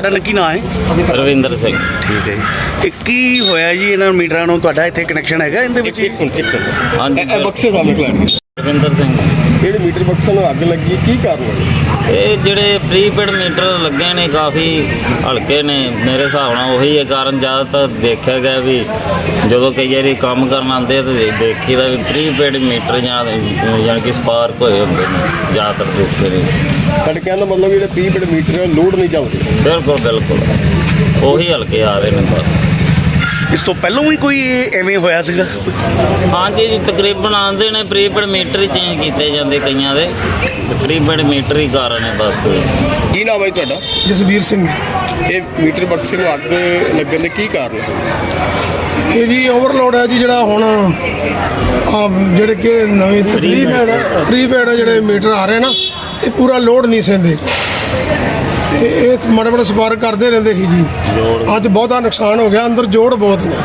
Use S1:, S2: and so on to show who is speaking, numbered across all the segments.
S1: ਤੁਹਾਡਾ ਕੀ ਨਾਮ ਹੈ?
S2: ਰਵਿੰਦਰ ਸਿੰਘ।
S1: ਠੀਕ ਹੈ ਜੀ। ਇਹ ਕੀ ਹੋਇਆ ਜੀ ਇਹਨਾਂ ਮੀਟਰਾਂ ਨੂੰ? ਤੁਹਾਡਾ ਇੱਥੇ ਕਨੈਕਸ਼ਨ ਹੈਗਾ ਇਹਦੇ ਵਿੱਚ?
S2: ਹਾਂਜੀ
S3: ਬਕਸੇ ਸਾਹਮਣੇ ਖੜਾ
S2: ਰਵਿੰਦਰ ਸਿੰਘ।
S3: ਜਿਹੜੇ ਮੀਟਰ ਬਕਸਾਂ ਨੂੰ ਅੱਗ ਲੱਗੀ ਕੀ ਕਾਰਨ ਹੈ?
S2: ਇਹ ਜਿਹੜੇ ਪ੍ਰੀਪੇਡ ਮੀਟਰ ਲੱਗੇ ਨੇ ਕਾਫੀ ਹਲਕੇ ਨੇ, ਮੇਰੇ ਹਿਸਾਬ ਨਾਲ ਉਹੀ ਹੈ ਕਾਰਨ। ਜ਼ਿਆਦਾਤਰ ਦੇਖਿਆ ਗਿਆ ਵੀ ਜਦੋਂ ਕਈ ਵਾਰੀ ਕੰਮ ਕਰਨ ਆਉਂਦੇ ਤਾਂ ਦੇਖੀਦਾ ਵੀ ਪ੍ਰੀਪੇਡ ਮੀਟਰ ਜਾਣੀ ਕਿ ਸਪਾਰਕ ਹੋਏ ਹੁੰਦੇ ਨੇ ਜ਼ਿਆਦਾਤਰ ਦੇਖੇ ਨੇ।
S3: ਤੁਹਾਡੇ ਕਹਿਣ ਦਾ ਮਤਲਬ ਜਿਹੜੇ ਪ੍ਰੀਪੇਡ ਮੀਟਰ ਲੋਡ ਨਹੀਂ ਚੱਲਦੇ?
S2: ਬਿਲਕੁਲ ਬਿਲਕੁਲ ਉਹੀ ਹਲਕੇ ਆ ਰਹੇ ਨੇ ਬਸ।
S1: ਇਸ ਤੋਂ ਪਹਿਲਾਂ ਵੀ ਕੋਈ ਐਵੇਂ ਹੋਇਆ ਸੀਗਾ?
S2: ਹਾਂਜੀ ਜੀ, ਤਕਰੀਬਨ ਆਉਂਦੇ ਨੇ ਪ੍ਰੀਪੇਡ ਮੀਟਰ ਹੀ ਚੇਂਜ ਕੀਤੇ ਜਾਂਦੇ ਕਈਆਂ ਦੇ, ਪ੍ਰੀਪੇਡ ਮੀਟਰ ਹੀ ਕਾਰਨ ਹੈ ਬਸ।
S3: ਕੀ ਨਾਮ ਹੈ ਜੀ ਤੁਹਾਡਾ?
S4: ਜਸਵੀਰ ਸਿੰਘ।
S3: ਇਹ ਮੀਟਰ ਬਕਸੇ ਨੂੰ ਅੱਗ ਲੱਗਣ ਦੇ ਕੀ ਕਾਰਨ ਹੈ?
S4: ਇਹ ਜੀ ਓਵਰਲੋਡ ਹੈ ਜੀ, ਜਿਹੜਾ ਹੁਣ ਆ ਜਿਹੜੇ ਕਿ ਨਵੇਂ ਪ੍ਰੀਪੇਡ ਜਿਹੜੇ ਮੀਟਰ ਆ ਰਹੇ ਨਾ, ਇਹ ਪੂਰਾ ਲੋਡ ਨਹੀਂ ਸਹਿੰਦੇ ਤੇ ਇਹ ਮਾੜੇ ਮਾੜੇ ਸਪਾਰਕ ਕਰਦੇ ਰਹਿੰਦੇ ਸੀ ਜੀ। ਅੱਜ ਬਹੁਤਾ ਨੁਕਸਾਨ ਹੋ ਗਿਆ, ਅੰਦਰ ਜੋੜ ਬਹੁਤ ਨੇ।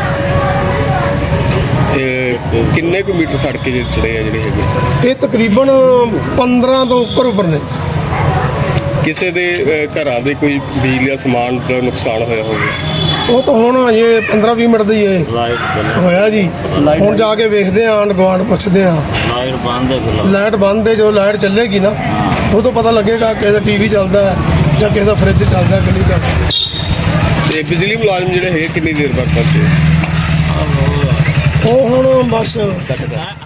S3: ਕਿੰਨੇ ਕੁ ਮੀਟਰ ਸੜ ਕੇ ਜਿਹੜੇ ਸੜੇ ਆ ਜਿਹੜੇ ਹੈਗੇ?
S4: ਇਹ ਤਕਰੀਬਨ 15 ਤੋਂ ਉੱਪਰ ਨੇ।
S3: ਕਿਸੇ ਦੇ ਘਰਾਂ ਦੇ ਕੋਈ ਬਿਜਲੀ ਦਾ ਸਮਾਨ ਦਾ ਨੁਕਸਾਨ ਹੋਇਆ ਹੋਵੇ?
S4: ਉਹ ਤਾਂ ਹੁਣ ਅਜੇ 15-20 ਮਿੰਟ ਦੀ ਹੋਇਆ ਜੀ। ਹੁਣ ਜਾ ਕੇ ਵੇਖਦੇ ਆਂ, ਆਂਢ ਗੁਆਂਢ ਪੁੱਛਦੇ ਆਂ।
S2: ਲਾਈਟ ਬੰਦ ਹੈ ਫਿਲਹਾਲ।
S4: ਲਾਈਟ ਬੰਦ ਹੈ, ਜੋ ਲਾਈਟ ਚੱਲੇਗੀ ਨਾ ਉਹ ਤੋਂ ਪਤਾ ਲੱਗੇਗਾ ਕਿਸੇ ਦਾ ਟੀਵੀ ਚੱਲਦਾ ਹੈ ਜਾਂ ਕਿਸੇ ਦਾ ਫਰਿੱਜ ਚੱਲਦਾ, ਕਿ ਨਹੀਂ ਚੱਲਦਾ।
S3: ਤੇ ਬਿਜਲੀ ਮੁਲਾਜ਼ਮ ਜਿਹੜੇ ਹੈਗੇ ਕਿੰਨੀ ਦੇਰ ਬਾਅਦ ਪਹੁੰਚੇ?
S4: ਉਹ ਹੁਣ ਬਸ